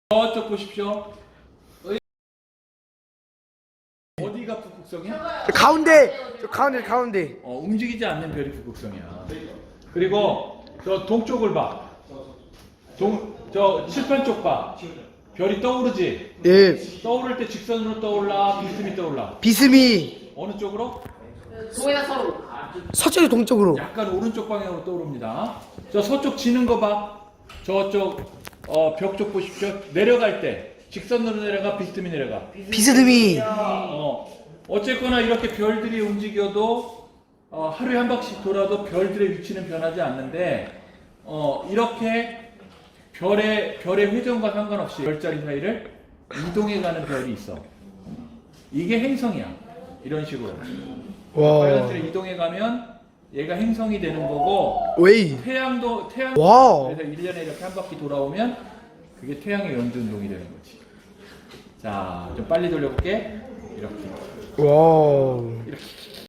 저쪽 보십시오. 어디가 북극성이야? 가운데. 움직이지 않는 별이 북극성이야. 그리고 저 동쪽을 봐. 저 칠판 쪽 봐. 별이 떠오르지? 예. 떠오를 때 직선으로 떠올라, 비스듬히 떠올라. 비스미. 어느 쪽으로? 동해나 서로. 서쪽이 동쪽으로. 약간 오른쪽 방향으로 떠오릅니다. 저 서쪽 지는 거 봐. 저쪽 벽 쪽 보십시오. 내려갈 때 직선으로 내려가, 비스듬히 내려가. 비스듬히. 어쨌거나 이렇게 별들이 움직여도 하루에 한 바퀴씩 돌아도 별들의 위치는 변하지 않는데 이렇게 별의 회전과 상관없이 별자리 사이를 이동해가는 별이 있어. 이게 행성이야. 이런 식으로. 와. 빨간색을 이동해가면 얘가 행성이 되는 거고 웨이. 태양 와우. 그래서 1년에 이렇게 한 바퀴 돌아오면 그게 태양의 연두운동이 되는 거지. 자, 좀 빨리 돌려볼게. 이렇게. 와우.